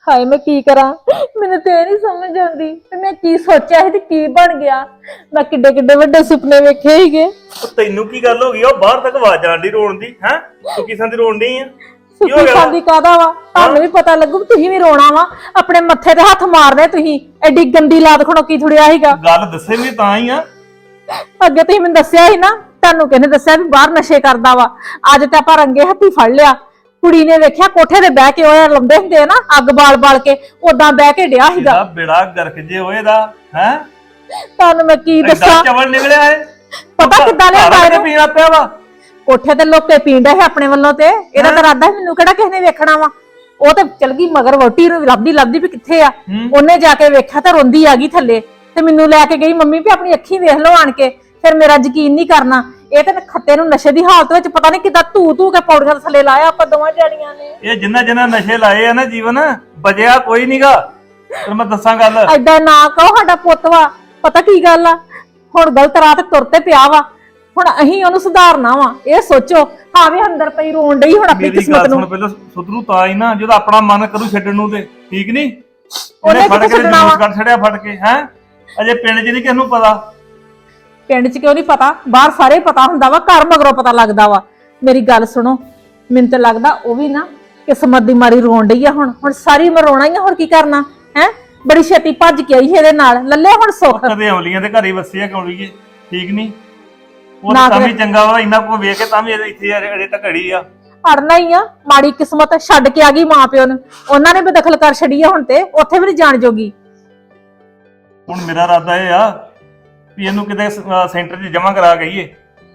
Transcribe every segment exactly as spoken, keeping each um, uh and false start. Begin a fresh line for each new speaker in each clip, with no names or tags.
ਹਾਏ मैं की करा मैंने तो नहीं समझ आती मैं की सोचा है ते की बन गया मैं किड्डे किड्डे वड्डे सुपने वेखे ही गए
ਤੈਨੂੰ ਕੀ ਗੱਲ ਹੋ ਗਈ ਉਹ ਬਾਹਰ ਤੱਕ ਆਵਾਜ਼ ਆਣ ਦੀ ਰੋਣ ਦੀ ਹੈ ਤੂੰ ਕਿਸਾਂ ਦੀ ਰੋਣ ਨਹੀਂ ਆ ਕੀ ਹੋ
सुखी
ਗਿਆ
खादी कादा वा तानू भी पता लगू तुही भी रोना वा अपने मत्थे ते हथ मारने तुही एडी गंदी लात खड़ोकी थुड़िया हीगा
ਗੱਲ ਦੱਸੇ ਵੀ ਤਾਂ ਹੀ ਆ
ਅੱਗੇ ਤੁਸੀਂ ਮੈਨੂੰ ਦੱਸਿਆ ਸੀ ਨਾ ਤੁਹਾਨੂੰ ਕਿਹਨੇ ਦੱਸਿਆ ਵੀ ਬਾਹਰ ਨਸ਼ੇ ਕਰਦਾ ਵਾ ਅੱਜ ਤੇ ਆਪਾਂ ਰੰਗੇ ਹੱਥੀ ਫੜ ਲਿਆ ਕੁੜੀ ਨੇ ਵੇਖਿਆ ਕੋਠੇ ਤੇ ਬਹਿ ਕੇ ਉਹ ਲੰਦੇ ਹੁੰਦੇ ਆ ਨਾ ਅੱਗ ਬਾਲ ਬਾਲ ਕੇ ਉਦਾਂ ਬਹਿ ਕੇ ਡਿਆ ਸੀਗਾ
ਇਹਦਾ ਬੇੜਾ ਗਰਕ ਜੇ ਹੋਏ ਦਾ ਹੈ
ਤੁਹਾਨੂੰ ਮੈਂ ਕੀ ਦੱਸਾਂ
ਚਵਲ ਨਿਕਲਿਆ ਏ
ਪਤਾ ਕਿੱਦਾਂ ਲਿਆਂਦਾ
ਇਹਨੇ
ਇਹਨੂੰ
ਪੀਣਾ ਪਿਆ ਵਾ
ਕੋਠੇ ਤੇ ਲੋਕੇ ਪੀਂਦਾ ਹੈ ਆਪਣੇ ਵੱਲੋਂ ਤੇ ਇਹਦਾ ਤਾਂ ਇਰਾਦਾ ਮੈਨੂੰ ਕਿਹੜਾ ਕਿਸੇ ਨੇ ਵੇਖਣਾ ਵਾ ਉਹ ਤੇ ਚਲ ਗਈ ਮਗਰ ਵੋਟੀ ਨੂੰ ਲੱਭਦੀ ਲੱਭਦੀ ਵੀ ਕਿੱਥੇ ਆ ਉਹਨੇ ਜਾ ਕੇ ਵੇਖਿਆ ਤਾਂ ਰੋਂਦੀ ਆ ਗਈ ਥੱਲੇ ਤੇ ਮੈਨੂੰ ਲੈ ਕੇ ਗਈ ਮੰਮੀ ਵੀ ਆਪਣੀ ਅੱਖੀਂ ਵੇਖ ਲਓ ਆਣ ਕੇ ਫਿਰ ਮੇਰਾ ਯਕੀਨ ਨਹੀਂ ਕਰਨਾ ਇਹ ਤੇ ਖੱਤੇ ਨੂੰ ਨਸ਼ੇ ਦੀ ਹਾਲਤ ਵਿੱਚ ਪਤਾ ਨਹੀਂ ਕਿੱਦਾਂ ਧੂ ਧੂ ਕੇ ਪੌੜੀਆਂ ਥੱਲੇ ਲਾਇਆ ਆਪਾਂ ਦੋਵਾਂ ਜੜੀਆਂ ਨੇ
ਇਹ ਜਿੰਨਾ ਜਿੰਨਾ ਨਸ਼ੇ ਲਾਏ ਆ ਨਾ ਜੀਵਨ ਬਜਿਆ ਕੋਈ ਨਹੀਂਗਾ ਫਿਰ ਮੈਂ ਦੱਸਾਂ ਗੱਲ
ਐਦਾਂ ਨਾ ਕਹੋ ਸਾਡਾ ਪੁੱਤ ਵਾ ਪਤਾ ਕੀ ਗੱਲ ਆ ਹੁਣ ਗਲਤ ਰਾਹ ਤੇ ਤੁਰ ਤੇ ਪਿਆ ਵਾ ਹੁਣ ਅਸੀਂ ਉਹਨੂੰ ਸੁਧਾਰਨਾ ਵਾ ਇਹ ਸੋਚੋ ਹਾਂ ਵੀ ਅੰਦਰ ਪਈ ਰੋਣ ਡਈ ਹੁਣ ਆਪਣੀ
ਮੇਰੀ
ਕਿਸਮਤ
ਗੱਲ
ਨੂੰ
ਸੁਣ ਪਹਿਲਾਂ ਸੁਧਰੂ ਤਾਂ ਹੀ ਨਾ ਜਦੋਂ ਆਪਣਾ ਮਨ ਕਰੂ ਛੱਡਣ ਨੂੰ ਤੇ ਠੀਕ ਨਹੀਂ
ਉਹਨੇ
ਉਹਨੇ ਫੜ
ਕਿੱਥੇ
ਕੇ
ਛੱਡਣਾ
ਜੂਸ
ਵਾ?
ਕੱਢ ਛੜਿਆ ਫੜ ਕੇ ਹੈ ਅਜੇ ਪਿੰਡ 'ਚ ਨਹੀਂ ਕਿਸ ਨੂੰ ਪਤਾ
ਪਿੰਡ 'ਚ ਕਿਉਂ ਨਹੀਂ ਪਤਾ ਬਾਹਰ ਸਾਰੇ ਪਤਾ ਹੁੰਦਾ ਵਾ ਘਰ ਮਗਰੋਂ ਪਤਾ ਲੱਗਦਾ ਵਾ ਮੇਰੀ ਗੱਲ ਸੁਣੋ ਮੈਨੂੰ ਤਾਂ ਲੱਗਦਾ ਉਹ ਵੀ ਨਾ ਕਿਸਮਤ ਦੀ ਮਾਰੀ ਰੋਣ ਡਈ ਆ ਹੁਣ ਹੁਣ ਸਾਰੀ ਉਮਰ ਰੋਣਾ ਹੀ ਆ ਹੋਰ ਕੀ ਕਰਨਾ ਹੈ ਬੜੀ ਛੇਤੀ ਭੱਜ ਕੇ ਆਈ ਇਹਦੇ ਨਾਲ ਲੱਲੇ ਹੁਣ ਸੁੱਖ
ਕਦੇ ਅਮਲੀਆਂ ਦੇ ਘਰ ਹੀ ਵਸਿਆ ਕੌਲੀਏ ਠੀਕ ਨਹੀਂ ਉਹ
ਨਾ
ਤਾਂ ਵੀ
ਕਦੇ-
ਚੰਗਾ ਵਾ ਇੰਨਾ ਕੋ ਵੇਖ ਕੇ ਤਾਂ ਵੀ ਇਹਦੇ ਇੱਥੇ ਅਜੇ ਤੱਕ ਘੜੀ ਆ
ਅੜਨਾ ਹੀ ਆ ਮਾੜੀ ਕਿਸਮਤ ਛੱਡ ਕੇ ਆ ਗਈ ਮਾਂ ਪਿਓ ਨੂੰ ਉਹਨਾਂ ਨੇ ਬੇਦਖਲ ਕਰ ਛੜੀ ਆ ਹੁਣ ਤੇ ਉੱਥੇ ਵੀ ਨਹੀਂ ਜਾਣ ਜੋਗੀ
ਹੁਣ ਮੇਰਾ ਇਰਾਦਾ ਇਹ ਆ ਵੀ ਇਹਨੂੰ ਕਿਤੇ ਸੈਂਟਰ 'ਚ ਜਮ੍ਹਾਂ ਕਰਾ ਗਈਏ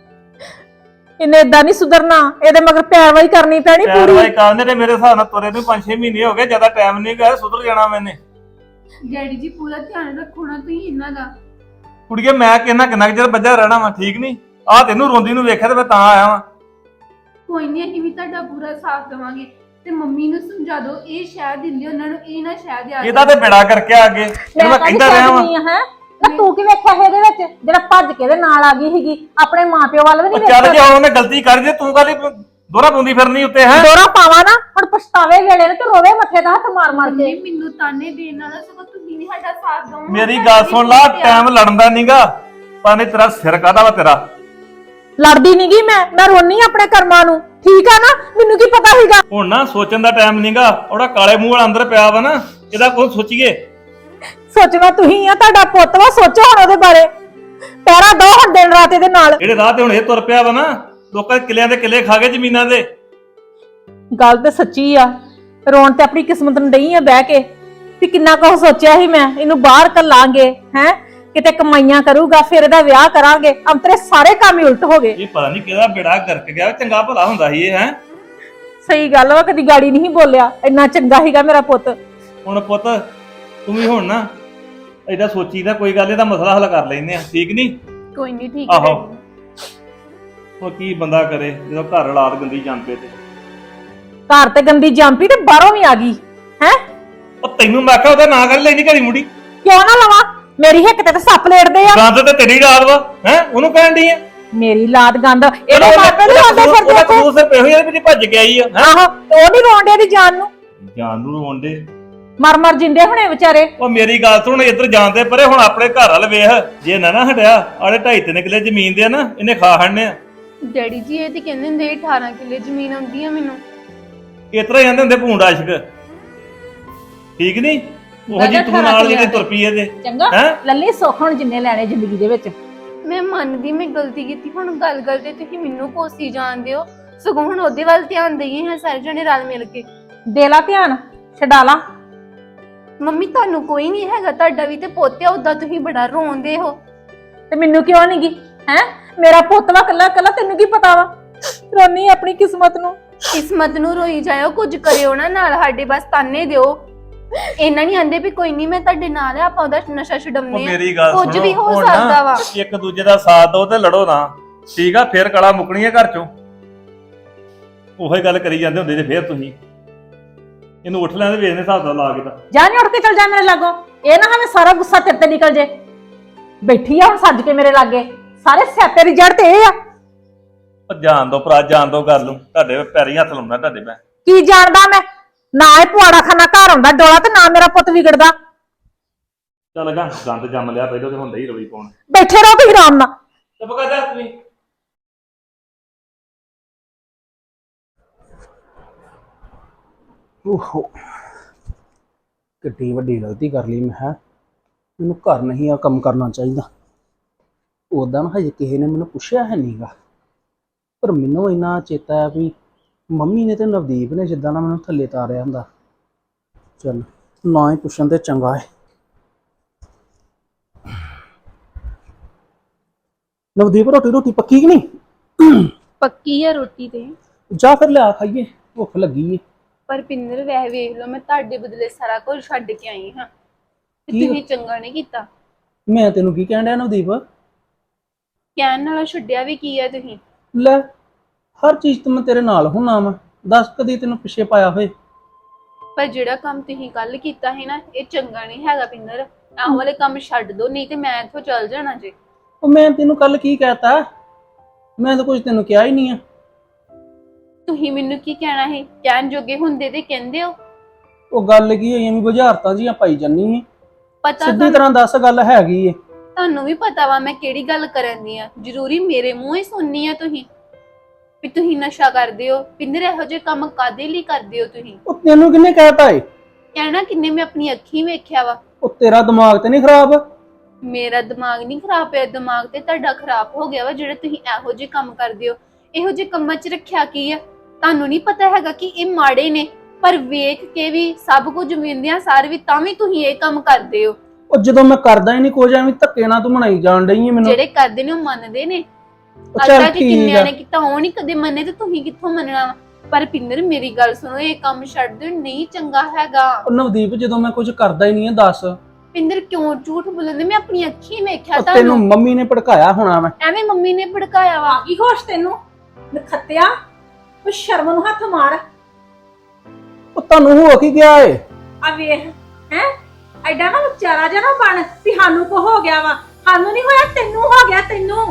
ਇਹਨੇ ਏਦਾਂ ਨਹੀਂ ਸੁਧਰਨਾ ਇਹਦੇ ਮਗਰ ਪੈਰਵਾਈ ਕਰਨੀ ਪੈਣੀ ਪੂਰੀ
ਪੈਰਵਾਈ ਕਰਨੇ ਤੇ ਮੇਰੇ ਹਿਸਾਬ ਨਾਲ ਤੁਰੇ ਨੂੰ ਪੰਜ ਛੇ ਮਹੀਨੇ ਹੋ ਗਏ ਜ਼ਿਆਦਾ ਟਾਈਮ ਨਹੀਂ ਗਿਆ ਸੁਧਰ ਜਾਣਾ ਮੈਨੇ
ਡੈਡੀ ਜੀ ਪੂਰਾ ਧਿਆਨ ਰੱਖੋ ਨਾ ਤੁਸੀਂ ਇਹਨਾਂ ਦਾ
ਕੁੜੀਏ ਮੈਂ ਕਿੰਨਾ ਕਿੰਨਾ ਕੁ ਚਿਰ ਬੱਝਾ ਰਹਿਣਾ ਵਾ ਠੀਕ ਨਹੀਂ ਆਹ ਤੈਨੂੰ ਰੋਂਦੀ ਨੂੰ ਵੇਖਿਆ ਤੇ ਮੈਂ ਤਾਂ ਆਇਆ ਵਾਂ
ਕੋਈ ਨਹੀਂ ਅਸੀਂ ਵੀ ਤੁਹਾਡਾ ਪੂਰਾ ਸਾਥ ਦੇਵਾਂਗੇ ਤੇ ਮੰਮੀ ਨੂੰ ਸਮਝਾ ਦਿਓ ਇਹ ਸ਼ਹਿਰ ਦਿੰਦੇ ਉਹਨਾਂ ਨੂੰ ਇਹ ਨਾ ਸ਼ਹਿਰ ਦੇ
ਇਹਦਾ ਤੇ ਬੇੜਾ ਕਰਕੇ ਆ ਅੱਗੇ ਇਹਨੂੰ ਮੈਂ ਕਹਿੰਦਾ ਰਿਹਾ ਵਾਂ
ਹੈ ਨਾ ਤੂੰ ਕੀ ਵੇਖਿਆ ਇਹਦੇ ਵਿੱਚ ਜਿਹੜਾ ਭੱਜ ਕੇ ਇਹਦੇ ਨਾਲ ਆ ਗਈ ਸੀਗੀ ਆਪਣੇ ਮਾਪਿਓ ਵੱਲ ਵੀ ਨਹੀਂ
ਉਹ ਚੱਲ ਜੇ ਉਹਨੇ ਗਲਤੀ ਕਰ ਜੇ ਤੂੰ ਕਾਲੀ ਦੋਹਰਾ ਪਾਉਂਦੀ ਫਿਰਨੀ ਉੱਤੇ ਹੈ
ਦੋਰਾ ਪਾਵਾ ਨਾ ਹੁਣ ਪਛਤਾਵੇ ਵੇਲੇ ਨੇ ਤੇ ਰੋਵੇ ਮੱਥੇ ਦਾ ਹੱਥ ਮਾਰ ਮਾਰ ਕੇ
ਮੰਮੀ ਮੈਨੂੰ ਤਾਨੇ ਦੇਣ ਨਾਲ ਸਗੋਂ ਤੁਸੀਂ ਵੀ ਸਾਡਾ ਸਾਥ ਦਿਓ
ਮੇਰੀ ਗੱਲ ਸੁਣ ਲਾ ਟਾਈਮ ਲੜਨ ਦਾ ਨਹੀਂਗਾ ਪਾਣੀ ਤੇਰਾ ਸਿਰ ਕਾਹਦਾ ਵਾ ਤੇਰਾ
ਲੜਦੀ ਨੀ ਗੀ ਮੈਂ ਮੈਂ ਰੋਨੀ ਆਂ ਆਪਣੇ ਕਰਮਾਂ ਨੂੰ ਠੀਕ ਆ ਨਾ ਮੈਨੂੰ ਕੀ ਪਤਾ ਸੀਗਾ
ਹੁਣ ਨਾ ਸੋਚਣ ਦਾ ਟਾਈਮ ਨਹੀਂਗਾ ਉਹਦਾ ਕਾਲੇ ਮੂੰਹ ਵਾਲਾ ਅੰਦਰ ਪਿਆ ਵਾ ਨਾ ਇਹਦਾ ਕੋਈ ਸੋਚੀਏ
ਸੋਚਣਾ ਤੁਸੀਂ ਆ ਤੁਹਾਡਾ ਪੁੱਤ ਵਾ ਸੋਚੋ ਹੁਣ ਉਹਦੇ ਬਾਰੇ ਪਹਿਰਾ ਦੋ ਹੁਣ ਦਿਨ ਰਾਤ ਇਹਦੇ ਨਾਲ
ਜਿਹੜੇ ਰਾਹ ਤੇ ਹੁਣ ਇਹ ਤੁਰ ਪਿਆ ਵਾ ਨਾ ਲੋਕਾਂ ਦੇ ਕਿੱਲਿਆਂ ਦੇ ਕਿੱਲੇ ਖਾ ਗਏ ਜ਼ਮੀਨਾਂ ਦੇ
ਗੱਲ ਤੇ ਸੱਚੀ ਆ ਰੋਣ ਤੇ ਆਪਣੀ ਕਿਸਮਤ ਨੂੰ ਡਈ ਆ ਬਹਿ ਕੇ ਵੀ ਕਿੰਨਾ ਕੁ ਸੋਚਿਆ ਸੀ ਮੈਂ ਇਹਨੂੰ ਬਾਹਰ ਕੱਲਾਂਗੇ ਹੈ ਕਿਤੇ ਕਮਾਈਆਂ ਕਰੂਗਾ ਫਿਰ ਇਹਦਾ ਵਿਆਹ ਕਰਾਂਗੇ ਅੰਤਰੇ ਸਾਰੇ ਕੰਮ ਹੀ ਉਲਟ ਹੋ ਗਏ
ਇਹ ਪਤਾ ਨਹੀਂ ਕਿਹਦਾ ਬੇੜਾ ਗਰਕ ਗਿਆ ਚੰਗਾ ਭਲਾ ਹੁੰਦਾ ਸੀ ਇਹ ਹੈ
ਸਹੀ ਗੱਲ ਵਾ ਕਦੀ ਗਾੜੀ ਨਹੀਂ ਬੋਲਿਆ ਇੰਨਾ ਚੰਗਾ ਸੀਗਾ ਮੇਰਾ ਪੁੱਤ
ਹੁਣ ਪੁੱਤ ਤੂੰ ਵੀ ਹੁਣ ਨਾ ਇਹਦਾ ਸੋਚੀਦਾ ਕੋਈ ਗੱਲ ਇਹਦਾ ਮਸਲਾ ਹੱਲ ਕਰ ਲੈਨੇ ਆ ਠੀਕ ਨਹੀਂ
ਕੋਈ ਨਹੀਂ ਠੀਕ
ਆਹੋ ਉਹ ਕੀ ਬੰਦਾ ਕਰੇ ਜਦੋਂ ਘਰ ਹਾਲਾਤ ਗੰਦੀ ਜਾਂਦੇ ਤੇ
ਘਰ ਤੇ ਗੰਦੀ ਜੰਪੀ ਤੇ ਬਾਹਰੋਂ ਵੀ ਆ ਗਈ ਹੈ
ਉਹ ਤੈਨੂੰ ਮੈਂ ਕਿਹਾ ਉਹਦਾ ਨਾਂ ਕਰ ਲੈਣੀ ਘੜੀ ਮੁੜੀ
ਕਿਉਂ ਨਾ ਲਵਾਂ ਮੇਰੀ ਹਿੱਕ ਤੇ ਤਾਂ ਸੱਪ ਲੇਟਦੇ ਆ
ਗੰਦ ਤੇ ਤੇਰੀ ਰਾਤ ਵਾ ਹੈ ਉਹਨੂੰ ਕਹਿਣ ਦੀ ਆ
ਮੇਰੀ ਲਾਤ ਗੰਦ ਇਹਦੇ ਮਾਪੇ ਨਹੀਂ ਆਉਂਦੇ ਫਿਰਦੇ
ਉਹਦਾ
ਇੱਥੇ
ਕਸੂਰ ਸਿਰਫ ਇਹੋ ਹੀ ਆ ਵੀ ਭੱਜ ਕੇ ਆਈ ਆ ਹੈਂ?
ਆਹੋ ਤੇ ਉਹ ਨਹੀਂ ਰੋਂਦੇ ਦੀ ਜਾਨ ਨੂੰ
ਜਾਨ ਨੂੰ ਰੋਂਦੇ
ਮਰ ਮਰ ਜਿੰਦੇ ਹੁਣੇ ਵਿਚਾਰੇ
ਉਹ ਮੇਰੀ ਗੱਲ ਸੁਣ ਇੱਧਰ ਜਾਂਦੇ ਪਰੇ ਹੁਣ ਆਪਣੇ ਘਰ ਵਾਲ ਵੇਖ ਜੇ ਨਾ ਨਾ ਹਟਿਆ ਆਲੇ ਢਾਈ ਤਿੰਨ ਕਿੱਲੇ ਜ਼ਮੀਨ ਦੇ ਆ ਨਾ ਇਹਨੇ ਖਾ ਹੜਨੇ ਆ
ਡੈਡੀ ਜੀ ਇਹ ਤੇ ਕਹਿੰਦੇ ਹੁੰਦੇ ਅਠਾਰਾਂ ਕਿੱਲੇ ਜ਼ਮੀਨ ਆਉਂਦੀ ਆ ਮੈਨੂੰ
ਇਤਰਾ ਜਾਂਦੇ ਹੁੰਦੇ ਭੂੰਡ ਆਸ਼ਕ ਠੀਕ ਨਹੀਂ ਉਹ ਜੀ ਤੂੰ ਨਾਲ ਜਿਹੜੇ ਤੁਰ ਪਈ ਇਹਦੇ
ਚੰਗਾ
ਹੈਂ?
ਲੱਲੀ ਸੁੱਖ ਹੁਣ ਜਿੰਨੇ ਲੈਣੇ ਜ਼ਿੰਦਗੀ ਦੇ ਵਿੱਚ
ਮੈਂ ਮੰਨਦੀ ਮੈਂ ਗਲਤੀ ਕੀਤੀ ਹੁਣ ਗੱਲ ਗੱਲ ਤੇ ਤੁਸੀਂ ਮੈਨੂੰ ਕੋਸੀ ਜਾਂਦੇ ਹੋ ਸਗੋਂ ਹੁਣ ਉਹਦੇ ਵੱਲ ਧਿਆਨ ਦੇਈਏ ਹਾਂ ਸਾਰੇ ਜਣੇ ਰਲ ਮਿਲ ਕੇ
ਦੇ ਲਾ ਧਿਆਨ ਛਡਾ ਲਾ
ਮੰਮੀ ਤੁਹਾਨੂੰ ਕੋਈ ਨਹੀਂ ਹੈਗਾ ਤੁਹਾਡਾ ਵੀ ਤੇ ਪੋਤਿਆ ਉਦਾਂ ਤੁਸੀਂ ਬੜਾ ਰੋਂਦੇ ਹੋ
ਤੇ ਮੈਨੂੰ ਕਿਉਂ ਨਹੀਂ ਗਈ ਹੈ ਮੇਰਾ ਪੁੱਤ ਵਾ ਕੱਲਾ ਕੱਲਾ ਤੈਨੂੰ ਕੀ ਪਤਾ ਵਾ ਰੋਨੀ ਆਪਣੀ ਕਿਸਮਤ ਨੂੰ
ਕਿਸਮਤ ਨੂੰ ਰੋਈ ਜਾਇਓ ਕੁਝ ਕਰਿਓ ਨਾ ਨਾਲ ਸਾਡੇ ਬਸ ਤਾਨੇ ਦਿਓ ਇਹਨਾਂ ਨਹੀਂ ਆਂਦੇ ਵੀ ਕੋਈ ਨਹੀਂ ਮੈਂ ਤੁਹਾਡੇ ਨਾਲ ਆ ਆਪਾਂ ਉਹਦਾ ਨਸ਼ਾ
ਉਹ
ਛਡਾਉਂਦੇ
ਮੇਰੀ ਗੱਲ
ਕੁਝ ਵੀ ਹੋ
ਹੁਣ ਨਾ
ਸਕਦਾ ਵਾ
ਇੱਕ ਦੂਜੇ ਦਾ ਸਾਥ ਦਿਓ ਤੇ ਲੜੋ ਨਾ ਠੀਕ ਆ ਫੇਰ ਕਲਾ ਮੁੱਕਣੀ ਆ ਘਰ ਚੋਂ ਉਹੀ ਗੱਲ ਕਰੀ ਜਾਂਦੇ ਹੁੰਦੇ ਜੇ ਫੇਰ ਤੁਸੀਂ ਇਹਨੂੰ ਉੱਠ ਲੈਣ ਦੇ ਵੇਚਨੇ ਹਿਸਾਬ ਦਾ ਲਾ ਕੇ ਤਾਂ
ਜਾ ਨਹੀਂ ਉੱਠ ਕੇ ਚਲ ਜਾ ਮੇਰੇ ਲਾਗੋਂ ਇਹ ਨਾ ਹਮੇ ਸਾਰਾ ਗੁੱਸਾ ਤੇਰੇ ਤੇ ਨਿਕਲ ਜੇ ਬੈਠੀ ਆ ਹੁਣ ਸੱਜ ਕੇ ਮੇਰੇ ਲਾਗੇ ਸਾਰੇ ਸਿਆਪੇ ਦੀ ਜੜ ਤੇ ਇਹ ਆ
ਉਹ ਜਾਣ ਦੋ ਭਰਾ ਜਾਣ ਦੋ ਗੱਲ ਨੂੰ ਤੁਹਾਡੇ ਪੈਰੀ ਹੱਥ ਲਾਉਣਾ ਤੁਹਾਡੇ ਮੈਂ
ਕੀ ਜਾਣਦਾ ਮੈਂ ਨਾ ਇਹ ਪੁਆੜਾ ਖਾਨਾ ਘਰ ਆਉਂਦਾ ਡੋਲਾ ਤੇ ਨਾ ਮੇਰਾ ਪੁੱਤ ਵਿਗੜਦਾ।
ਚੱਲ ਗਾ ਗੰਦ ਜੰਮ ਲਿਆ ਪਹਿਲਾਂ ਤੇ ਹੁੰਦਾ ਹੀ ਰਵੀ ਪਾਉਣ।
ਬੈਠੇ ਰਹੋ ਤੁਸੀਂ ਆਰਾਮ ਨਾਲ।
ਚੁੱਪ ਕਰ ਜਾ ਤੂੰ।
ਓਹੋ ਕਿੱਡੀ ਵੱਡੀ ਗਲਤੀ ਕਰ ਲਈ ਮੈਂ। ਹੈ ਮੈਨੂੰ ਘਰ ਨਹੀਂ ਆ ਕੰਮ ਕਰਨਾ ਚਾਹੀਦਾ। ਉਦਾਂ ਹਜੇ ਕਿਸੇ ਨੇ ਮੈਨੂੰ ਪੁੱਛਿਆ ਹੈ ਨਹੀਂਗਾ, ਪਰ ਮੈਨੂੰ ਇੰਨਾ ਚੇਤਾ ਹੈ ਵੀ ਮੰਮੀ ਨੇ ਤੇ ਨਵਦੀਪ ਨੇ ਜਿੱਦਾਂ ਨਾ ਮੈਨੂੰ ਥੱਲੇ ਤਾਰਿਆ ਹੁੰਦਾ। ਚੱਲ ਨਾ ਹੀ ਪੁੱਛਣ ਤੇ ਚੰਗਾ ਹੈ। ਨਵਦੀਪ ਰੋਟੀ ਰੋਟੀ ਪੱਕੀ ਕਿ ਨਹੀਂ?
ਪੱਕੀ ਆ ਰੋਟੀ ਤੇ।
ਜਾ ਫਿਰ ਲਿਆ ਖਾਈਏ, ਭੁੱਖ ਲੱਗੀ ਏ।
ਪਰ ਪਿੰਦਰ ਵੈਸੇ ਵੇਖ ਲਓ, ਮੈਂ ਤੁਹਾਡੇ ਬਦਲੇ ਸਾਰਾ ਕੁਝ ਛੱਡ ਕੇ ਆਈ ਹਾਂ ਤੇ
ਕੀ?
ਤੁਸੀਂ ਚੰਗਾ ਨਹੀਂ ਕੀਤਾ।
ਮੈਂ ਤੈਨੂੰ ਕੀ ਕਹਿਣ ਡਿਆ ਨਵਦੀਪ?
ਕਹਿਣ ਨਾਲੋਂ ਛੱਡਿਆ ਵੀ ਕੀ ਆ ਤੁਸੀਂ?
ਲੈ ਹਰ ਚੀਜ਼ ਤੇ ਮੈਂ ਤੇਰੇ ਨਾਲ ਹੁੰਨਾ ਵਾ, ਦੱਸ ਕਦੀ ਤੈਨੂੰ ਪਿੱਛੇ ਪਾਇਆ ਹੋਏ?
ਪਰ ਜਿਹੜਾ ਕੰਮ ਤੁਸੀਂ ਕੱਲ ਕੀਤਾ ਹੈ ਨਾ, ਇਹ ਚੰਗਾ ਨਹੀਂ ਹੈਗਾ ਪਿੰਦਰ। ਆਹ ਵਾਲੇ ਕੰਮ ਛੱਡ ਦੋ, ਨਹੀਂ ਤੇ ਮੈਂ ਇੱਥੋਂ ਚੱਲ ਜਾਣਾ ਜੇ।
ਉਹ ਮੈਂ ਤੈਨੂੰ ਕੱਲ ਕੀ ਕਹਿਤਾ? ਮੈਂ ਤਾਂ ਕੁਝ ਤੈਨੂੰ ਕਿਹਾ ਹੀ ਨਹੀਂ ਆ।
ਤੁਸੀਂ ਮੈਨੂੰ ਕੀ ਕਹਿਣਾ ਹੈ? ਕਹਿਣ ਜੋਗੇ ਹੁੰਦੇ ਤੇ ਕਹਿੰਦੇ ਹੋ।
ਉਹ ਗੱਲ ਕੀ ਹੋਈ, ਐਵੇਂ ਬੁਝਾਰਤਾਂ ਜੀਆਂ ਪਾਈ ਜਾਨੀ ਏ।
ਪਤਾ
ਸਿੱਧੀ
ਤੁਹਾਨੂੰ
ਤਰ੍ਹਾਂ ਦੱਸ ਗੱਲ ਹੈਗੀ ਏ।
ਤੁਹਾਨੂੰ ਵੀ ਪਤਾ ਵਾ ਮੈਂ ਕਿਹੜੀ ਗੱਲ ਕਰਨ ਦੀ ਆ। ਜ਼ਰੂਰੀ ਮੇਰੇ ਮੂੰਹ ਹੀ ਸੁਣਨੀ ਆ ਤੁਸੀਂ ਵੀ ਤੁਸੀਂ ਨਸ਼ਾ ਕਰਦੇ ਹੋ? ਪਿੰਦਰ ਇਹੋ ਜਿਹੇ ਕੰਮ ਕਾਦੇ ਲਈ ਕਰਦੇ ਹੋ ਤੁਸੀਂ?
ਉਹ ਤੈਨੂੰ ਕਿਹਨੇ ਕਹਿਤਾ ਏ?
ਕਹਿਣਾ ਕਿੰਨੇ, ਮੈਂ ਆਪਣੀ ਅੱਖੀਂ ਵੇਖਿਆ ਵਾ।
ਉਹ ਤੇਰਾ ਦਿਮਾਗ ਤੇ ਨਹੀਂ ਖਰਾਬ?
ਮੇਰਾ ਦਿਮਾਗ ਨਹੀਂ ਖਰਾਬ ਪਿਆ, ਦਿਮਾਗ ਤੇ ਤੁਹਾਡਾ ਖਰਾਬ ਹੋ ਗਿਆ ਵਾ ਜਿਹੜੇ ਤੁਸੀਂ ਇਹੋ ਜਿਹੇ ਕੰਮ ਕਰਦੇ ਹੋ। ਇਹੋ ਜਿਹੇ ਕੰਮਾਂ 'ਚ ਰੱਖਿਆ ਕੀ ਆ? ਤੁਹਾਨੂੰ ਨਹੀਂ ਪਤਾ ਹੈਗਾ ਕਿ ਇਹ ਮਾੜੇ ਨੇ, ਪਰ ਵੇਖ ਕੇ ਵੀ ਸਭ ਕੁਝ ਮਿਲਦਿਆਂ ਸਾਰ ਵੀ ਤਾਂ ਵੀ ਤੁਸੀਂ ਇਹ ਕੰਮ ਕਰਦੇ ਹੋ।
ਉਹ ਜਦੋਂ ਮੈਂ ਕਰਦਾ ਹੀ ਨਹੀਂ ਕੁਝ, ਐਵੇਂ ਧੱਕੇ ਨਾਲ ਤੂੰ ਮਨਾਈ ਜਾਣ ਡਈ ਏ ਮੈਨੂੰ।
ਜਿਹੜੇ ਕਰਦੇ ਨੇ ਉਹ ਮੰਨਦੇ ਨੇ।
ਉਹ
ਅੱਜ
ਚੱਲ
ਤੱਕ
ਠੀਕ
ਕਿੰਨਿਆਂ
ਆ।
ਨੇ ਕੀਤਾ, ਉਹ ਨਹੀਂ ਕਦੇ ਮੰਨੇ ਤੇ ਤੁਸੀਂ ਕਿੱਥੋਂ ਮੰਨਣਾ ਵਾ? ਪਰ ਪਿੰਦਰ ਮੇਰੀ ਗੱਲ ਸੁਣੋ, ਇਹ ਕੰਮ ਛੱਡ ਦਿਓ, ਨਹੀਂ ਚੰਗਾ ਹੈਗਾ।
ਉਹ ਨਵਦੀਪ ਜਦੋਂ ਮੈਂ ਕੁਝ ਕਰਦਾ ਹੀ ਨਹੀਂ ਹੈ ਦੱਸ।
ਪਿੰਦਰ ਕਿਉਂ ਝੂਠ ਬੋਲਦੇ? ਮੈਂ ਆਪਣੀ ਅੱਖੀਂ ਵੇਖਿਆ
ਉਹ ਤੈਨੂੰ
ਤੁਹਾਨੂੰ।
ਮੰਮੀ ਨੇ ਭੜਕਾਇਆ ਹੋਣਾ ਵਾ।
ਐਵੇਂ ਮੰਮੀ ਨੇ ਭੜਕਾਇਆ ਵਾ।
ਆ ਗਈ ਹੋਸ਼ ਤੈਨੂੰ ਨਖੱਤਿਆ? ਉਹ ਸ਼ਰਮ ਨੂੰ ਹੱਥ ਮਾਰ।
ਉਹ ਤੁਹਾਨੂੰ ਹੋ ਕੀ ਗਿਆ ਏ?
ਆ ਵੇਖ ਹੈ ਐਡਾ ਨਾ ਵਿਚਾਰਾ ਜਿਹਾ ਨਾ ਬਣ ਵੀ ਸਾਨੂੰ ਕੋ ਹੋ ਗਿਆ ਵਾ। ਸਾਨੂੰ ਨਹੀਂ ਹੋਇਆ, ਤੈਨੂੰ ਹੋ ਗਿਆ। ਤੈਨੂੰ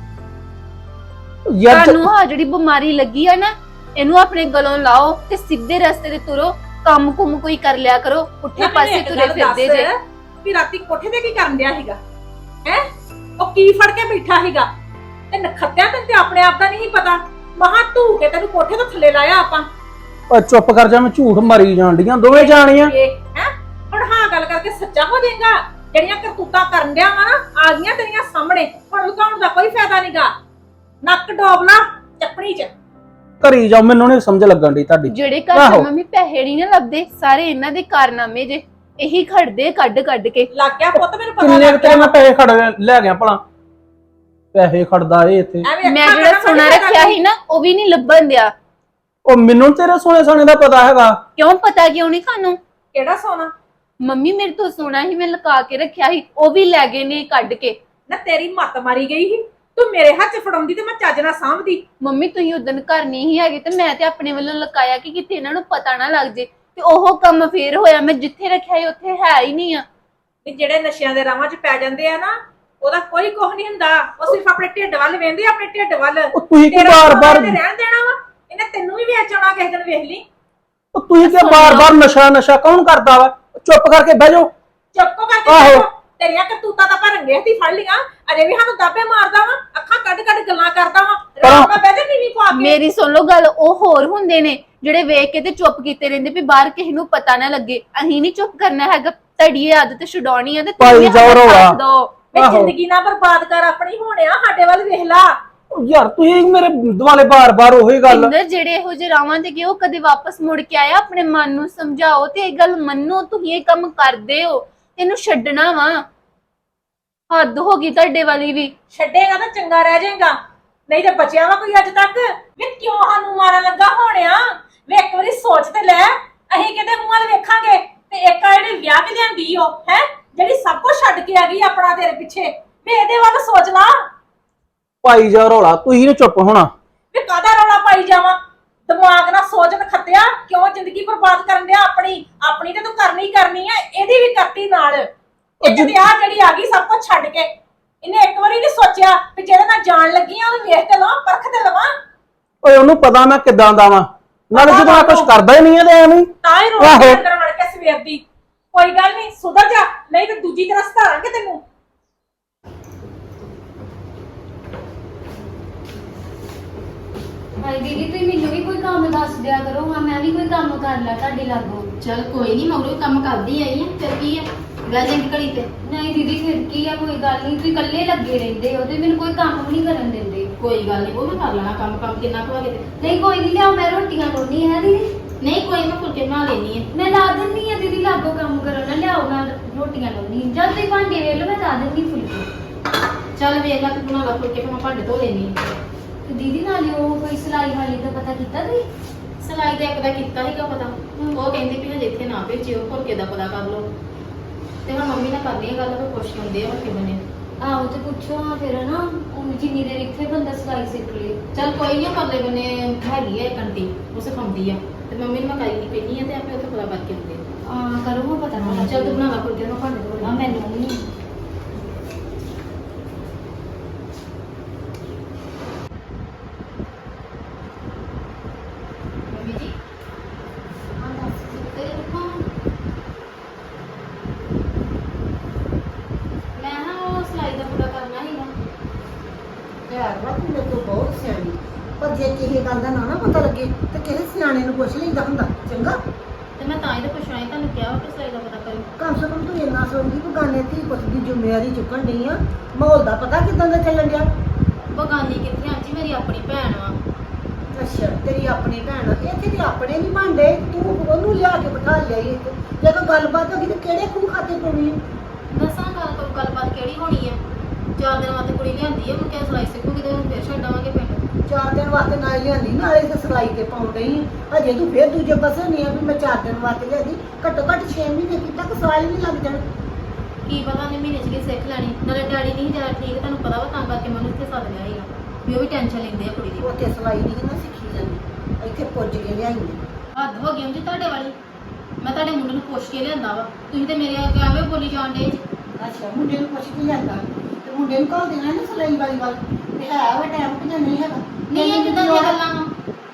ਯਾਰ
ਤੁਹਾਨੂੰ ਆ ਜਿਹੜੀ ਬਿਮਾਰੀ ਲੱਗੀ ਆ ਨਾ, ਇਹਨੂੰ ਆਪਣੇ ਗਲੋਂ ਲਾਓ ਤੇ ਸਿੱਧੇ ਰਸਤੇ ਤੇ ਤੁਰੋ। ਕੰਮ ਕੁਮ ਕੋਈ ਕਰ ਲਿਆ ਕਰੋ, ਪੁੱਠੇ ਪਾਸੇ ਤੁਰੇ ਫਿਰਦੇ ਜੇ।
ਵੀ ਰਾਤੀ ਕੋਠੇ ਤੇ ਕੀ ਕਰਨ ਡਿਆ ਸੀਗਾ? ਹੈ ਉਹ ਕੀ ਫੜ ਕੇ ਬੈਠਾ ਸੀਗਾ? ਤੇ ਨਖੱਤਿਆ ਤੈਨੂੰ ਤੇ ਆਪਣੇ ਆਪ ਦਾ ਨਹੀਂ ਪਤਾ। ਮਹਾ ਧੂ ਕੇ ਤੈਨੂੰ ਕੋਠੇ ਤੋਂ ਥੱਲੇ ਲਾਇਆ ਆਪਾਂ।
ਉਹ ਚੁੱਪ ਕਰ ਜਾ, ਮੈਂ ਝੂਠ ਮਾਰੀ ਜਾਣ ਡੀਆਂ ਦੋਵੇਂ ਜਾਣੀਆਂ।
ਹੈ ਹੁਣ ਹਾਂ ਗੱਲ ਕਰਕੇ ਸੱਚਾ ਹੋ ਜਾਏਗਾ। ਜਿਹੜੀਆਂ ਕਰਤੂਤਾਂ ਕਰਨ ਡਿਆ ਵਾ ਨਾ, ਆ ਗਈਆਂ ਤੇਰੀਆਂ ਸਾਹਮਣੇ। ਹੁਣ ਲੁਕਾਉਣ ਦਾ ਕੋਈ ਫਾਇਦਾ ਨਹੀਂਗਾ। ਨੱਕ ਡੋਬ ਲਾ ਚੱਪਣੀ 'ਚ।
ਘਰੀ ਜਾਓ, ਮੈਨੂੰ ਨਹੀਂ ਸਮਝ ਲੱਗਣ ਦੀ ਤੁਹਾਡੀ।
ਜਿਹੜੇ ਘਰ
ਆਹੋ।
ਚ ਮੰਮੀ ਪੈਸੇ ਨਹੀਂ ਨਾ ਲੱਭਦੇ, ਸਾਰੇ ਇਹਨਾਂ ਦੇ ਕਾਰਨਾਮੇ ਜੇ। ਇਹੀ ਖੜਦੇ ਕੱਢ ਕੱਢ ਕੇ।
ਲੱਗ ਗਿਆ ਪੁੱਤ, ਮੈਨੂੰ ਪਤਾ
ਕਿੰਨੇ
ਲੱਗ
ਕੁ ਤੇਰੇ
ਗਿਆ।
ਮੈਂ ਪੈਸੇ ਖੜ ਲੈ ਗਿਆ ਭਲਾ? ਪੈਸੇ ਖੜਦਾ ਏ ਇੱਥੇ।
ਐਵੇਂ
ਮੈਂ
ਅੱਖਾਂ
ਜਿਹੜਾ
ਕੱਢਣ
ਸੋਨਾ
ਵਾਲੀ
ਰੱਖਿਆ ਸੀ ਨਾ, ਉਹ ਵੀ ਨਹੀਂ ਲੱਭਣ ਦਿਆ।
ਉਹ ਮੈਨੂੰ ਤੇਰੇ ਸੋਨੇ ਸਾਨੇ ਦਾ ਪਤਾ ਹੈਗਾ।
ਕਿਉਂ ਪਤਾ ਕਿਉਂ ਨਹੀਂ ਤੁਹਾਨੂੰ?
ਕਿਹੜਾ ਸੋਨਾ?
ਮੰਮੀ ਮੇਰੇ ਤੋਂ ਸੋਨਾ ਹੀ ਮੈਂ ਲੁਕਾ ਕੇ ਰੱਖਿਆ ਸੀ, ਉਹ ਵੀ ਲੈ ਗਏ ਨੇ ਕੱਢ ਕੇ।
ਨਾ ਤੇਰੀ ਮੱਤ ਮਾਰੀ ਗਈ ਸੀ। ਤੂੰ ਮੇਰੇ ਹੱਥ 'ਚ ਫੜਾਉਂਦੀ ਤੇ ਮੈਂ ਚੱਜ ਨਾਲ ਸਾਂਭਦੀ।
ਮੰਮੀ ਤੁਸੀਂ ਉਦੋਂ ਘਰ ਨਹੀਂ ਹੀ ਹੈਗੇ ਤੇ ਮੈਂ ਤੇ ਆਪਣੇ ਵੱਲੋਂ ਲੁਕਾਇਆ ਕਿ ਕਿਤੇ ਇਹਨਾਂ ਨੂੰ ਪਤਾ ਨਾ ਲੱਗ ਜੇ। ਤੇ ਉਹ ਕੰਮ ਫੇਰ ਹੋਇਆ, ਮੈਂ ਜਿੱਥੇ ਰੱਖਿਆ ਸੀ ਉੱਥੇ ਹੈ ਹੀ ਨਹੀਂ ਆ।
ਵੀ ਜਿਹੜੇ ਨਸ਼ਿਆਂ ਦੇ ਰਾਵਾਂ 'ਚ ਪੈ ਜਾਂਦੇ ਆ ਨਾ, ਉਹਦਾ ਕੋਈ ਕੁਝ ਨਹੀਂ ਹੁੰਦਾ। ਉਹ ਸਿਰਫ ਆਪਣੇ ਢਿੱਡ ਵੱਲ ਵੇਂਦੇ, ਆਪਣੇ ਢਿੱਡ ਵੱਲ।
ਉਹ ਤੁਸੀਂ ਕਿ
ਤੇਰਾ
ਬਾਰ-ਬਾਰ
ਸੋਨਾ ਇਹਨੇ ਰਹਿਣ ਦੇਣਾ ਵਾ? ਇਹਨੇ ਤੈਨੂੰ ਵੀ ਵੇਚ ਆਉਣਾ ਕਿਸੇ ਦਿਨ, ਵੇਖ ਲਈ।
ਉਹ ਤੁਸੀਂ ਕਿ ਬਾਰ-ਬਾਰ ਨਸ਼ਾ ਨਸ਼ਾ ਕੌਣ ਕਰਦਾ ਵਾ? ਚੁੱਪ ਕਰਕੇ ਬਹਿ ਜਾਓ।
ਚੁੱਪ ਕਰਕੇ
ਆਹੋ।
ਬੈਠੋ। ਤੇਰੀਆਂ ਕਰਤੂਤਾਂ ਤਾਂ ਪਰ ਰੰਗੇ ਹੱਥੀ ਫੜ ਲੀਆਂ। ਅਜੇ ਵੀ ਸਾਨੂੰ ਦਾਬੇ ਮਾਰਦਾ ਵਾ, ਅੱਖਾਂ ਕੱਢ ਕੱਢ ਗੱਲਾਂ ਕਰਦਾ ਵਾ। ਰਾਮ ਨਾਲ ਬਹਿ ਜਾ ਟੀਵੀ ਪਾ ਕੇ।
ਮੇਰੀ ਸੁਣ ਲਓ ਗੱਲ, ਉਹ ਹੋਰ ਹੁੰਦੇ ਨੇ ਜਿਹੜੇ ਵੇਖ ਕੇ ਤੇ ਚੁੱਪ ਕੀਤੇ ਰਹਿੰਦੇ ਵੀ ਬਾਹਰ ਕਿਸੇ ਨੂੰ ਪਤਾ ਨਾ ਲੱਗੇ। ਅਸੀਂ ਨਹੀਂ ਚੁੱਪ ਕਰਨਾ ਹੈਗਾ। ਤੁਹਾਡੀ ਇਹ ਆਦਤ ਛਡਾਉਣੀ ਆ ਤੇ
ਭਾਈ
ਤੁਸੀਂ
ਜਾਓ
ਸਾਡਾ
ਰੌਲਾ।
ਸਾਥ ਦਿਓ।
ਵੇ
ਆਹੋ।
ਜ਼ਿੰਦਗੀ ਨਾ ਬਰਬਾਦ ਕਰ ਆਪਣੀ। ਹੋਣਿਆ ਸਾਡੇ ਵੱਲ ਵੇਖ ਲਾ।
ਉਹ ਯਾਰ ਤੁਸੀਂ ਮੇਰੇ ਦੁਆਲੇ ਬਾਰ-ਬਾਰ ਉਹੀ ਗੱਲ।
ਪਿੰਦਰ ਜਿਹੜੇ ਇਹੋ ਜਿਹੇ ਰਾਵਾਂ ਤੇ ਗਏ, ਉਹ ਕਦੇ ਵਾਪਸ ਮੁੜ ਕੇ ਆਇਆ? ਆਪਣੇ ਮਨ ਨੂੰ ਸਮਝਾਓ ਤੇ ਇਹ ਗੱਲ ਮੰਨੋ, ਤੁਸੀਂ ਇਹ ਕੰਮ ਕਰਦੇ ਹੋ, ਇਹਨੂੰ ਛੱਡਣਾ ਵਾ। ਹੱਦ ਹੋ ਗਈ ਤੁਹਾਡੇ ਵਾਲੀ ਵੀ।
ਛੱਡੇਗਾ ਤਾਂ ਚੰਗਾ ਰਹਿ ਜਾਏਗਾ, ਨਹੀਂ ਤੇ ਬਚਿਆ ਵਾ ਕੋਈ ਅੱਜ ਤੱਕ? ਵੇ ਕਿਉਂ ਸਾਨੂੰ ਮਾਰਨ ਲੱਗਾ ਹੋਣਿਆ? ਵੇ ਇੱਕ ਵਾਰੀ ਸੋਚ ਤੇ ਲੈ। ਅਸੀਂ ਕਿਤੇ ਮੂੰਹ ਵੱਲ ਵੇਖਾਂਗੇ ਤੇ ਇੱਕ ਆ ਜਿਹੜੀ ਵਿਆਹ ਕੇ ਲਿਆਂਦੀ ਉਹ ਹੈ, ਜਿਹੜੀ ਸਭ ਕੁਝ ਛੱਡ ਕੇ ਆ ਗਈ ਆਪਣਾ ਤੇਰੇ ਪਿੱਛੇ। ਵੇ ਇਹਦੇ ਵੱਲ ਸੋਚ ਲਾ।
ਭਾਈ ਜਾ ਰੌਲਾ, ਤੁਸੀਂ ਨੀ ਚੁੱਪ ਹੋਣਾ।
ਵੇ ਕਾਹਦਾ ਰੌਲਾ ਪਾਈ ਜਾਵਾਂ? ਦਿਮਾਗ ਨਾਲ ਸੋਚ ਨਖੱਤਿਆ। ਕਿਉਂ ਜ਼ਿੰਦਗੀ ਬਰਬਾਦ ਕਰਨ ਡਿਆ ਆਪਣੀ? ਆਪਣੀ ਤੇ ਤੂੰ ਕਰਨੀ ਕਰਨੀ ਆ, ਇਹਦੀ ਵੀ ਕਰਤੀ ਨਾਲ। ਇੱਕ ਤੇ ਆ ਜਿਹੜੀ ਆ ਗਈ ਸਭ ਕੁਝ ਛੱਡ ਕੇ। ਇਹਨੇ ਇੱਕ ਵਾਰੀ ਨਹੀਂ ਸੋਚਿਆ ਕਿ ਜਿਹਦੇ ਨਾਲ ਜਾਣ ਲੱਗੀ ਆ ਉਹਨੂੰ ਵੇਖ ਤੇ ਲਵਾਂ, ਪਰਖ ਤੇ ਲਵਾਂ।
ਓਏ ਉਹਨੂੰ ਪਤਾ ਮੈਂ ਕਿੱਦਾਂ ਦਾ ਵਾਂ। ਨਾਲੇ ਜਦੋਂ ਮੈਂ ਕੁਝ ਕਰਦਾ ਹੀ ਨਹੀਂ ਆ ਤੇ ਐਵੇਂ ਹੀ।
ਤਾਂ ਹੀ ਰੋਣ
ਆਹੋ।
ਅੰਦਰ ਵੜ ਕੇ ਸਵੇਰ ਦੀ ਕੋਈ ਗੱਲ ਨਹੀਂ ਸੁਧਰ ਜਾ ਨਹੀਂ ਤੇ ਦੂਜੀ ਤਰ੍ਹਾਂ ਸਧਾਰਾਂਗੇ ਤੈਨੂੰ।
ਹਾਏ ਦੀਦੀ ਤੁਸੀਂ ਮੈਨੂੰ ਵੀ ਕੋਈ ਕੰਮ ਦੱਸ ਦਿਆ ਕਰੋ ਹਾਂ ਮੈਂ ਵੀ ਕੋਈ ਕੰਮ ਕਰ ਲਾ ਤੁਹਾਡੇ ਲਾਗੋਂ।
ਚਲ ਕੋਈ ਨਹੀਂ ਮਗਰੋਂ ਵੀ ਕੰਮ ਕਰਦੀ ਆਈ ਆ ਫਿਰ ਕੀ ਆ ਬਹਿ ਜਾਏਗੀ ਘੜੀ ਤੇ।
ਨਹੀਂ ਦੀਦੀ ਫਿਰ ਕੀ ਆ ਕੋਈ ਗੱਲ ਨਹੀਂ ਤੁਸੀਂ ਇਕੱਲੇ ਲੱਗੇ ਰਹਿੰਦੇ ਹੋ ਤੇ ਮੈਨੂੰ ਕੋਈ ਕੰਮ ਵੀ ਨਹੀਂ ਕਰਨ ਦਿੰਦੇ।
ਕੋਈ ਗੱਲ ਨਹੀਂ ਉਹ ਮੈਂ ਕਰ ਲੈਣਾ ਕੰਮ ਕੰਮ ਕਿੰਨਾ ਕੁ ਹੋਵੇ ਤੇ।
ਨਹੀਂ ਕੋਈ ਨਹੀਂ ਲਿਆਓ ਮੈਂ ਰੋਟੀਆਂ ਲਾਉਣੀ ਹੈ ਦੀਦੀ।
ਨਹੀਂ ਕੋਈ ਮੈਂ ਫੁਲਕੇ ਬਣਾ ਲੈਣੀ ਆ।
ਮੈਂ ਲਾ ਦਿੰਦੀ ਆ ਦੀਦੀ ਲਾਗੋਂ ਕੰਮ ਕਰਨ ਨਾ ਲਿਆਓ ਮੈਂ ਰੋਟੀਆਂ ਲਾਉਣੀ ਜਦ ਤੁਸੀਂ ਭਾਂਡੇ ਵੇਖ ਲਓ ਮੈਂ ਲਾ ਦਿੰਦੀ ਫੁਲਕੇ।
ਚੱਲ ਵੇਖ ਲੈ ਤੂੰ ਬਣਾ ਲਾ ਫੁਲਕੇ ਫਿਰ ਮੈਂ ਭਾਂਡੇ ਧੋ ਲੈਣੀ ਆ।
ਤੇ ਦੀਦੀ ਨਾਲੇ ਉਹ ਕੋਈ ਸਿਲਾਈ ਵਾਲੀ ਦਾ ਪਤਾ ਕੀਤਾ ਤੁਸੀਂ?
ਸਿਲਾਈ ਦਾ ਇੱਕ ਦਾ ਕੀਤਾ ਸੀਗਾ ਪਤਾ ਉਹ ਕਹਿੰਦੀ ਵੀ ਹਜੇ ਇੱਥੇ ਨਾ ਭੇਜਿਓ ਫੁਲਕੇ ਦਾ ਪਤਾ ਕਰ ਲਓ ਤੇ ਹੁਣ ਮੰਮੀ ਨਾਲ ਕਰਨੀ ਆ ਗੱਲ ਫਿਰ ਪੁੱਛ ਹੁੰਦੇ ਆ ਹੁਣ ਕਿਵੇਂ ਨੇ।
ਆਹੋ ਤੇ ਪੁੱਛੋ ਹਾਂ ਫਿਰ ਨਾ ਉਹ ਜਿੰਨੀ ਦੇਰ ਇੱਥੇ ਬੰਦਾ ਸਿਲਾਈ ਸਿੱਖ ਲੇ।
ਚੱਲ ਕੋਈ ਨਹੀਂ ਪਰਲੇ ਬੰਨੇ ਹੈਗੀ ਆ ਇੱਕ ਆਂਟੀ ਉਹ ਸਿਖਾਉਂਦੀ ਆ ਤੇ ਮੰਮੀ ਨੂੰ ਮੈਂ ਕਰੀ ਪੈਣੀ ਆ ਤੇ ਆਪੇ ਉੱਥੇ ਪਤਾ ਕਰਕੇ ਆਉਂਦੇ ਆ।
ਆ ਕਰੋ ਹਾਂ ਪਤਾ ਨਾ
ਚੱਲ ਤੂੰ ਬਣਾ ਲਾ ਫੁਲਕੇ ਮੈਂ ਭਾਂਡੇ ਧੋ
ਆ
ਲਾਂ।
ਮੈਨੂੰ ਨਹੀਂ
ਮੰਮੀ ਜੀ ਹਾਂ ਦੱਸ ਸੁੱਤੇ ਰੁਕੋ ਮੈਂ ਨਾ ਉਹ ਸਿਲਾਈ ਦਾ ਪੂਰਾ ਕਰਨਾ ਸੀਗਾ।
ਯਾਰ ਵਾ ਤੂੰ ਮੇਰੇ ਤੋਂ ਬਹੁਤ ਸਿਆਣੀ ਪਰ ਜੇ ਕਿਸੇ ਗੱਲ ਦਾ ਨਾ ਨਾ ਪਤਾ ਲੱਗੇ ਤੇ ਕਿਸੇ ਸਿਆਣੇ ਨੂੰ ਪੁੱਛ ਲਈਦਾ ਹੁੰਦਾ ਚੰਗਾ।
ਤੇ ਮੈਂ ਤਾਂ ਹੀ ਤਾਂ ਪੁੱਛਣਾ ਸੀ ਤੁਹਾਨੂੰ ਕਿਹਾ ਕਿ ਸਿਲਾਈ ਦਾ ਪਤਾ ਕਰੀ।
ਕਮ ਸੇ ਕਮ ਤੂੰ ਇੰਨਾ ਸਮਝੀ ਕਿ ਗਾਨੇ ਧੀ ਪੁੱਤ ਦੀ ਜ਼ਿੰਮੇਵਾਰੀ ਚੁੱਕਣ ਡਈ ਆ। ਮਾਹੌਲ ਦਾ ਪਤਾ ਕਿਦਾਂ ਦਾ ਚੱਲਣ ਡਿਆ।
ਬਗਾਨੀ ਕਿੱਥੇ ਆਂਜੀ ਮੇਰੀ ਆਪਣੀ ਭੈਣ ਵਾ।
ਅੱਛਾ ਤੇਰੀ ਆਪਣੀ ਭੈਣ ਆ। ਇੱਥੇ ਤੇ ਆਪਣੇ ਨਹੀਂ ਬਣਦੇ ਤੂੰ ਉਹਨੂੰ ਲਿਆ ਕੇ ਬਿਠਾ ਲਿਆ ਈ ਇੱਥੇ। ਜੇ ਕੋਈ ਗੱਲਬਾਤ ਹੋ ਗਈ ਤੇ ਕਿਹੜੇ ਖੂਹ ਖਾਤੇ ਪਾਉਣੀ ਆ?
ਦੱਸਾਂ ਗੱਲ ਕੋਈ ਗੱਲਬਾਤ ਕਿਹੜੀ ਹੋਣੀ ਆ। ਚਾਰ ਦਿਨ ਵਾਸਤੇ ਕੁੜੀ ਲਿਆਂਦੀ ਆ ਮੁੜ ਕੇ ਸਿਲਾਈ ਸਿੱਖੂਗੀ ਤੇ ਉਹਨੂੰ ਫਿਰ ਛੱਡ ਆਵਾਂਗੇ ਪਿੰਡ।
ਚਾਰ ਦਿਨ ਵਾਸਤੇ ਨਾ ਹੀ ਲਿਆਂਦੀ ਨਾਲੇ ਤੇ ਸਿਲਾਈ ਤੇ ਪਾਉਣ ਡਈ ਆ। ਅਜੇ ਤੂੰ ਫੇਰ ਦੂਜੇ ਪਾਸੇ ਨਹੀਂ ਆ ਵੀ ਮੈਂ ਚਾਰ ਦਿਨ ਵਾਸਤੇ ਲਿਆਂਦੀ। ਘੱਟੋ ਘੱਟ ਛੇ ਮਹੀਨੇ ਕੀ ਤੱਕ ਸਾਲ ਹੀ ਨਹੀਂ ਲੱਗ ਜਾਣਾ।
ਕੀ ਪਤਾ ਨੇ ਮਹੀਨੇ ਚ ਕੀ ਸਿੱਖ ਲੈਣੀ। ਨਾਲੇ ਡੈਡੀ ਨਹੀਂ ਜਿਆਦਾ ਠੀਕ ਤੁਹਾਨੂੰ ਪਤਾ ਵਾ ਤਾਂ ਕਰਕੇ ਮੈਨੂੰ ਇੱਥੇ ਸੱਦ ਲਿਆ ਸੀਗਾ ਵੀ ਉਹ ਵੀ ਟੈਨਸ਼ਨ ਲੈਂਦੇ ਆ ਕੁੜੀ ਦੀ।
ਉੱਥੇ ਸਿਲਾਈ ਨਹੀਂ ਨਾ ਸਿੱਖੀ ਜਾਂਦੀ ਇੱਥੇ ਪੁੱਜ ਕੇ ਲਿਆਈ
ਹੱਦ ਹੋ ਗਈ ਹੁੰਦੀ ਤੁਹਾਡੇ ਵਾਲੀ। ਮੈਂ ਤੁਹਾਡੇ ਮੁੰਡੇ ਨੂੰ ਪੁੱਛ ਕੇ ਲਿਆਂਦਾ ਵਾ ਤੁਸੀਂ ਤੇ ਮੇਰੇ ਅੱਗੇ ਐਵੇਂ ਬੋਲੀ ਜਾਣ ਡੇ।
ਅੱਛਾ ਮੁੰਡੇ ਨੂੰ ਪੁੱਛ ਕੇ ਲਿਆਂਦਾ ਤੇ ਮੁੰਡੇ ਨੂੰ ਘੱਲ ਦੇਣਾ ਨਾ ਸਿਲਾਈ ਵਾਲੀ ਵੱਲ ਤੇ ਹੈ ਵਾ ਟਾਈਮ ਕਿ ਨਹੀਂ ਹੈਗਾ।
ਨਹੀਂ ਇਹ ਕਿਦਾਂ ਦੀਆਂ ਗੱਲਾਂ ਵਾ।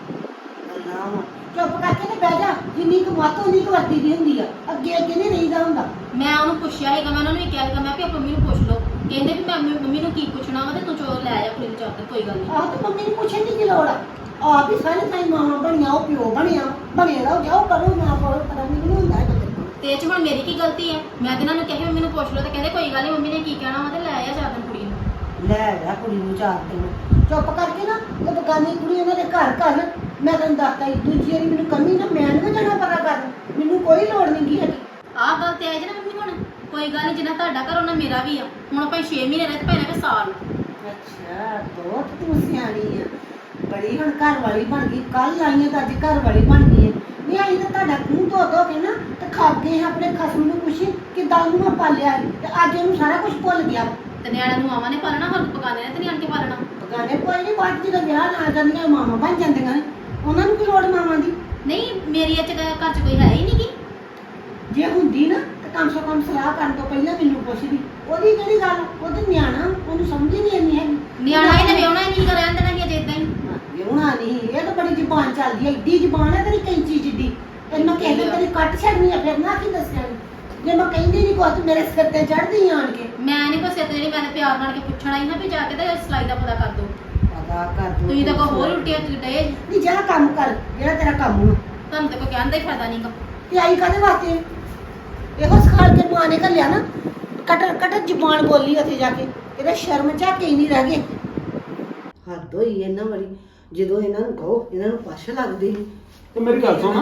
ਗੱਲਾਂ ਵਾ ਚੁੱਪ ਕਰਕੇ ਤੇ ਬਹਿ ਜਾ ਜਿੰਨੀ ਕੁ ਮੱਤ ਉਨੀ ਕੁ ਵਰਤੀ ਦੀ ਹੁੰਦੀ ਆ ਅੱਗੇ ਅੱਗੇ ਨਹੀਂ ਰਹੀਦਾ ਹੁੰਦਾ।
ਮੈਂ ਉਹਨੂੰ ਪੁੱਛਿਆ ਸੀਗਾ ਮੈਂ ਉਹਨਾਂ ਨੂੰ ਵੀ ਕਿਹਾ ਸੀਗਾ ਮੈਂ ਵੀ ਆਪਣੀ ਮੰਮੀ ਨੂੰ ਪੁੱਛ ਲਓ। ਕਹਿੰਦੇ ਵੀ ਮੈਂ ਮੰਮੀ ਮੰਮੀ ਨੂੰ ਕੀ ਪੁੱਛਣਾ ਵਾ ਤੇ ਤੂੰ ਚੋਰ ਲੈ ਆ ਕੁੜੀ ਨੂੰ ਚਾਦਰ ਕੋਈ ਗੱਲ ਨਹੀਂ।
ਆਹ ਤੇ ਮੰਮੀ ਨੂੰ ਪੁੱਛਣ ਦੀ ਕੀ ਲੋੜ ਆ। ਆਪ ਹੀ ਸਾਰੇ ਟਾਈਮ ਮਾਂ ਬਣੀਆਂ ਉਹ ਪਿਓ ਬਣਿਆ ਬਣੇ ਰਹੋ ਜਾਓ ਕਰੋ ਨਾ ਕਰੋ ਪਤਾ ਨਹੀਂ ਹੁੰਦਾ ਹੈ ਬੱਚੇ ਕੋਲ।
ਤੇ ਇਹ ਚ ਹੁਣ ਮੇਰੀ ਕੀ ਗਲਤੀ ਹੈ। ਮੈਂ ਤੇ ਇਹਨਾਂ ਨੂੰ ਕਿਹਾ ਮੰਮੀ ਨੂੰ ਪੁੱਛ ਲਓ ਤੇ ਕਹਿੰਦੇ ਕੋਈ ਗੱਲ ਨਹੀਂ ਮੰਮੀ ਨੇ ਕੀ ਕਹਿਣਾ ਵਾ ਤੇ ਲੈ ਆ ਚਾਦਰ ਕੁੜੀ ਨੂੰ।
ਲੈ ਜਾ ਕੁੜੀ ਨੂੰ ਚਾਰ ਦਿਨ ਚੁੱਪ ਕਰਕੇ ਨਾ ਉਹ ਬਗਾਨੀ ਕੁੜੀ ਉਹਨਾਂ ਦੇ ਘਰ ਘਰ ਮੈਂ ਤੈਨੂੰ ਦੱਸਦਾ ਦੂਜੀ ਵਾਰੀ ਮੈਨੂੰ ਕਮੀ ਨਾ ਮੈਂ ਨਹੀਂ ਜਾਣਾ ਪਤਾ ਕਰ ਮੈਨੂੰ ਕੋਈ ਲੋੜ ਨਹੀਂ ਗੀ ਹੈਗੀ।
ਆਹ ਗੱਲ ਤੇ ਆਈ ਜੇ ਨਾ ਮੰਮੀ ਹੁਣ ਕੋਈ ਗੱਲ ਨਹੀਂ ਜਿੰਨਾ ਤੁਹਾਡਾ ਘਰ ਉਹਨਾਂ ਮੇਰਾ ਵੀ ਆ। ਹੁਣ ਆਪਾਂ ਛੇ ਮਹੀਨੇ ਰਹੇ ਤੇ ਭੈਣੇ ਵੀ ਸਾਲ।
ਅੱਛਾ ਬਹੁਤ ਤੂੰ ਸਿਆਣੀ ਆ ਬੜੀ ਹੁਣ ਘਰ ਵਾਲੀ ਬਣ ਗਈ। ਕੱਲ ਆਈਆਂ ਤਾਂ ਅੱਜ ਘਰ ਵਾਲੀ ਬਣ ਗਈ ਹੈ। ਨਹੀਂ ਆਈ ਤਾਂ ਤੁਹਾਡਾ ਖੂਹ ਧੋ ਧੋ ਕੇ ਨਾ ਤੇ ਖਾ ਗਏ ਆਪਣੇ ਖਸਮ ਨੂੰ ਪੁੱਛੀ ਕਿਦਾਂ ਉਹਨੂੰ ਮੈਂ ਪਾਲਿਆ ਸੀ ਤੇ ਅੱਜ ਉਹਨੂੰ ਸਾਰਾ ਕੁਝ ਭੁੱਲ ਗਿਆ।
ਤੇ ਨਿਆਣਿਆਂ ਨੂੰ ਆਵਾਂ ਨੇ ਪਾਲਣਾ ਹਰ ਪਕਾਣੇ ਨੇ ਤੇ ਨਿਆਣ ਕੇ ਪਾਲਣਾ।
ਬਗਾਨੇ ਕੋਈ ਨਹੀਂ ਬਾਅਦ ਜਦੋਂ ਵਿਆਹ ਨਾ ਜਾਂਦੀਆਂ ਮਾਵਾਂ ਬਣ ਜਾਂਦੀਆਂ ਨੇ ਉਹਨਾਂ ਨੂੰ ਕੀ ਲੋੜ ਮਾਵਾਂ ਦੀ।
ਨਹੀਂ ਮੇਰੀ ਇਹ ਚ ਘਰ ਚ ਕੋਈ ਹੈ ਹੀ ਨਹੀਂ ਗੀ।
ਜੇ ਹੁੰਦੀ ਨਾ ਤੇ ਕਮ ਸੇ ਕਮ ਸਲਾਹ ਕਰਨ ਤੋਂ ਪਹਿਲਾਂ ਮੈਨੂੰ ਪੁੱਛਦੀ। ਉਹਦੀ ਕਿਹੜੀ ਗੱਲ ਉਹ ਤੇ ਨਿਆਣਾ ਉਹਨੂੰ ਸਮਝ ਹੀ ਨਹੀਂ ਆਉਂਦੀ ਹੈਗੀ।
ਨਿਆਣਾ ਇਹਨੇ ਵਿਆਹਣਾ ਹੀ ਨਹੀਂ ਰਹਿਣ ਦੇਣਾ ਕਿ ਅਜੇ ਇਦਾਂ ਹੀ।
ਵਿਆਹੁਣਾ ਨਹੀਂ ਇਹ ਤਾਂ ਬੜੀ ਜ਼ੁਬਾਨ ਚੱਲਦੀ ਹੈ ਏਡੀ ਜ਼ੁਬਾਨ ਹੈ ਤੇਰੀ ਕੈਂਚੀ ਜਿੱਡੀ ਤੇ ਮੈਂ ਕਹਿੰਦਾ ਤੇਰੀ ਕੱਟ ਛੱਡਣੀ ਆ ਫਿਰ ਨਾ ਕੀ ਦੱਸਿਆ ਜੇ ਮੈਂ ਕਹਿੰਦੀ ਨਹੀਂ ਕੁਝ ਮੇਰੇ ਸਿਰ ਤੇ ਚੜਦੀ ਆਣ ਕੇ।
ਮੈਂ ਨਹੀਂ ਕੋਈ ਸਿਰ ਤੇ ਜਿਹੜੀ ਮੈਂ ਤਾਂ ਪਿਆਰ ਨਾਲ ਕੇ ਪੁੱਛਣਾ ਹੀ ਨਾ ਵੀ ਜਾ ਕੇ ਤੇ ਸਿਲਾਈ ਦਾ ਪਤਾ ਕਰ ਦੋ।
ਪਤਾ ਕਰ ਦੋ
ਤੁਸੀਂ ਤਾਂ ਕੋਈ ਹੋਰ ਉਲਟੀਆਂ ਚ ਡੇ।
ਨਹੀਂ ਜਿਹੜਾ ਕੰਮ ਕਰ ਜਿਹੜਾ ਤੇਰਾ ਕੰਮ ਨੂੰ
ਤੁਹਾਨੂੰ ਤਾਂ ਕੋਈ ਕਹਿਣ ਦਾ ਹੀ ਫਾਇਦਾ ਨਹੀਂਗਾ।
ਤੇ ਆਈ ਕਾਹਦੇ ਵਾਸਤੇ ਇਹੋ ਸਿਖਾਲ ਕੇ ਮਾਂ ਨੇ ਘੱਲਿਆ ਨਾ ਕਟਰ ਕਟਰ ਜ਼ੁਬਾਨ ਬੋਲੀ ਉੱਥੇ ਜਾ ਕੇ ਇਹਦਾ ਸ਼ਰਮ ਝਾਕੇ ਹੀ ਨਹੀਂ ਰਹਿ ਗਏ। ਹੱਦ ਹੋਈ ਇਹਨਾਂ ਵਾਲੀ ਜਦੋਂ ਇਹਨਾਂ ਨੂੰ ਕਹੋ ਇਹਨਾਂ ਨੂੰ ਪਛ ਲੱਗਦੀ ਸੀ।
ਤੇ ਮੇਰੀ ਗੱਲ ਸੁਣ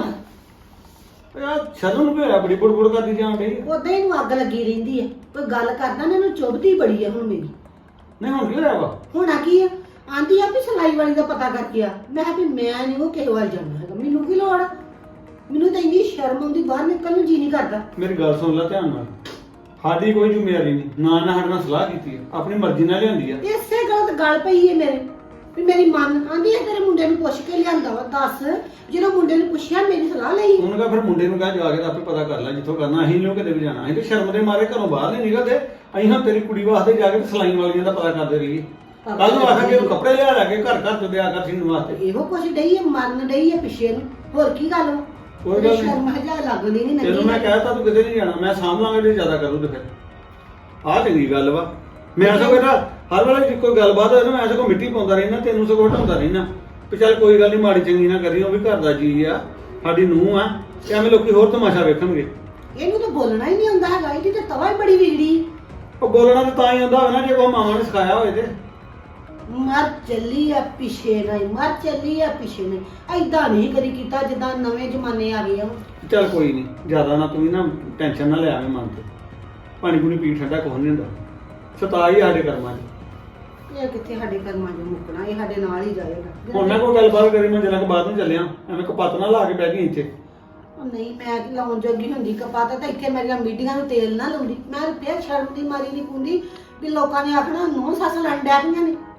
ਯਾਰ ਸ਼ਰਨ ਨੂੰ ਵੀ ਹੋਇਆ ਬੜੀ ਬੁੜਬੁੜ ਕਰਦੀ ਜਾਣ ਡਈ।
ਉਦਾਂ ਹੀ ਨੂੰ ਅੱਗ ਲੱਗੀ ਰਹਿੰਦੀ ਹੈ ਕੋਈ ਗੱਲ ਕਰਦਾ ਨਾ ਇਹਨੂੰ ਚੁੱਭਦੀ ਬੜੀ ਹੈ ਹੁਣ ਮੇਰੀ।
ਨਹੀਂ ਹੁਣ ਕੀ ਹੋਇਆ ਵਾ?
ਹੋਣਾ ਕੀ ਆ ਆਂਦੀ ਆ ਵੀ ਸਿਲਾਈ ਵਾਲੀ ਦਾ ਪਤਾ ਕਰਕੇ ਆ। ਮੈਂ ਕਿਹਾ ਵੀ ਮੈਂ ਨਹੀਂ ਉਹ ਕਿਸੇ ਵੱਲ ਜਾਣਾ ਹੈਗਾ ਮੈਨੂੰ ਕੀ ਲੋੜ ਆ। ਮੈਨੂੰ ਤਾਂ ਇੰਨੀ ਸ਼ਰਮ ਆਉਂਦੀ ਬਾਹਰ ਨਿਕਲਣ ਨੂੰ ਜੀ ਨਹੀਂ ਕਰਦਾ।
ਮੇਰੀ ਗੱਲ ਸੁਣ ਲੈ ਧਿਆਨ ਨਾਲ ਸਾਡੀ ਕੋਈ ਜ਼ਿੰਮੇਵਾਰੀ ਨਹੀਂ ਨਾ ਨਾ ਸਾਡੇ ਨਾਲ ਸਲਾਹ ਕੀਤੀ ਹੈ ਆਪਣੀ ਮਰਜ਼ੀ ਨਾਲ ਲਿਆਂਦੀ ਆ।
ਇਸੇ ਗੱਲ ਤੇ ਗੱਲ ਪਈ ਹੈ ਮੇਰੇ ਵੀ ਮੇਰੀ ਮਨ ਆਂਦੀ ਹੈ ਤੇਰੇ ਮੁੰਡੇ ਨੂੰ ਪੁੱਛ ਕੇ ਲਿਆਂਦਾ ਵਾ। ਦੱਸ ਜਦੋਂ ਮੁੰਡੇ ਨੂੰ ਪੁੱਛਿਆ ਮੇਰੀ ਸਲਾਹ ਲਈ।
ਉਹਨੇ ਕਹਾ ਫਿਰ ਮੁੰਡੇ ਨੂੰ ਕਹਿ ਜਾ ਕੇ ਤਾਂ ਆਪੇ ਪਤਾ ਕਰ ਲੈ ਜਿੱਥੋਂ ਕਰਨਾ। ਅਸੀਂ ਨਹੀਂ ਕਿਤੇ ਵੀ ਜਾਣਾ। ਅਸੀਂ ਤੇ ਸ਼ਰਮ ਦੇ ਮਾਰੇ ਘਰੋਂ ਬਾਹਰ ਨਹੀਂ ਨਿਕਲਦੇ। ਅਸੀਂ ਹਾਂ ਤੇਰੀ ਕੁੜੀ ਵਾਸਤੇ ਜਾ ਕੇ ਸਿਲਾਈ ਵਾਲੀਆਂ ਦਾ ਪਤਾ ਕਰਦੇ ਰਹੀਏ।
ਕੱਲ ਨੂੰ ਆਖਾਂਗੇ ਉਹਨੂੰ ਕੱਪੜੇ ਲਿਆ ਲੈ ਕੇ ਘਰ ਘਰ ਤੋਂ ਦਿਆ ਕਰ ਸੀਨ ਵਾਸਤੇ।
ਇਹੋ ਕੁਛ ਡਈ ਹੈ ਮਰਨ ਡਈ ਹੈ ਪਿੱਛੇ ਨੂੰ, ਹੋਰ ਕੀ ਗੱਲ ਵਾ?
ਕੋਈ ਗੱਲ ਨਹੀਂ।
ਸ਼ਰਮ ਹਜਾ ਲੱਗਦੀ ਨਹੀਂ
ਤੈਨੂੰ ਮੈਂ ਕਹਿਤਾ ਤੂੰ ਕਿਤੇ ਨਹੀਂ ਜਾਣਾ, ਮੈਂ ਸਾਂਭ ਲਾਂਗਾ ਜੇ ਜ਼ਿਆਦਾ ਕਰੂ ਤੇ ਫਿਰ ਆਹ ਚੰਗੀ ਗੱਲ ਵਾ। ਮੈਂ ਸਗੋਂ ਬੇਟਾ ਹਰ ਵੇਲੇ ਜੇ ਕੋਈ ਗੱਲਬਾਤ ਹੋਏ ਨਾ ਮੈਂ ਸਗੋਂ ਮਿੱਟੀ ਪਾਉਂਦਾ ਰਹਿਣਾ, ਤੈਨੂੰ ਸਗੋਂ ਹਟਾਉਂਦਾ ਰਹਿਣਾ ਵੀ ਚੱਲ ਕੋਈ ਗੱਲ ਨਹੀਂ, ਮਾੜੀ ਚੰਗੀ ਨਾ ਕਰੀ, ਉਹ ਵੀ ਘਰ ਦਾ ਜੀ ਆ, ਸਾਡੀ ਨੂੰਹ ਆ, ਤੇ ਐਵੇਂ ਲੋਕੀ ਹੋਰ ਤਮਾਸ਼ਾ ਵੇਖਣਗੇ।
ਇਹਨੂੰ ਤਾਂ ਬੋਲਣਾ ਹੀ ਨਹੀਂ ਆਉਂਦਾ ਹੈਗਾ, ਇਹਦੀ ਤਾਂ ਤਵਾ ਹੀ ਬੜੀ ਵਿਗੜੀ।
ਉਹ ਬੋਲਣਾ ਤਾਂ ਤਾਂ ਹੀ ਆਉਂਦਾ ਹੋਵੇ ਨਾ ਜੇ ਕੋਈ ਮਾਵਾਂ ਨੇ ਸਿਖਾਇਆ ਹੋਵੇ ਤੇ।
ਮਰ ਚੱਲੀ ਆ ਪਿੱਛੇ ਨਹੀਂ, ਮਰ ਚੱਲੀ ਆ ਪਿੱਛੇ ਨਹੀਂ, ਐਦਾਂ ਨਹੀਂ ਕਦੀ ਕੀਤਾ ਜਿੱਦਾਂ ਨਵੇਂ ਜ਼ਮਾਨੇ ਆ ਗਏ ਆ।
ਚੱਲ ਕੋਈ ਨਹੀਂ, ਜ਼ਿਆਦਾ ਨਾ ਤੂੰ ਵੀ ਨਾ ਟੈਨਸ਼ਨ ਨਾ ਲੈ ਆਵੇਂ ਮਨ ਤੇ, ਪਾਣੀ ਪੂਣੀ ਪੀ ਠੰਡਾ ਕੁਛ ਨਹੀਂ ਹੁੰਦਾ, ਸਤਾ ਹੀ ਸਾਡੇ ਕਰਮਾਂ 'ਚ।
ਇਹ ਕਿੱਥੇ ਸਾਡੇ ਕਰਮਾਂ 'ਚ ਮੁੱਕਣਾ, ਇਹ ਸਾਡੇ ਨਾਲ ਹੀ ਜਾਏਗਾ।
ਹੁਣ ਮੈਂ ਕੋਈ ਗੱਲਬਾਤ ਕਰੀ, ਮੈਂ ਜਰਾ ਕੁ ਬਾਅਦ ਨੂੰ ਚੱਲਿਆ, ਐਵੇਂ ਕਪੱਤ ਨਾ ਲਾ ਕੇ ਬਹਿ ਗਈ ਇੱਥੇ।
ਉਹ ਨਹੀਂ ਮੈਂ ਲਾਉਣ ਜੋਗੀ ਹੁੰਦੀ ਕਪਾਤਾ ਤਾਂ ਇੱਥੇ ਮੇਰੀਆਂ ਮੀਟਿੰਗਾਂ ਨੂੰ ਤੇਲ ਨਾ ਲਾਉਂਦੀ, ਮੈਂ ਫਿਰ ਸ਼ਰਮ ਦੀ ਮਾਰੀ ਨਹੀਂ ਪੁੰਦੀ ਵੀ ਲੋਕਾਂ ਨੇ ਆਖਣਾ ਨੌ ਸੱਸ ਲੜ ਡੈ ਪਈਆਂ ਨੇ।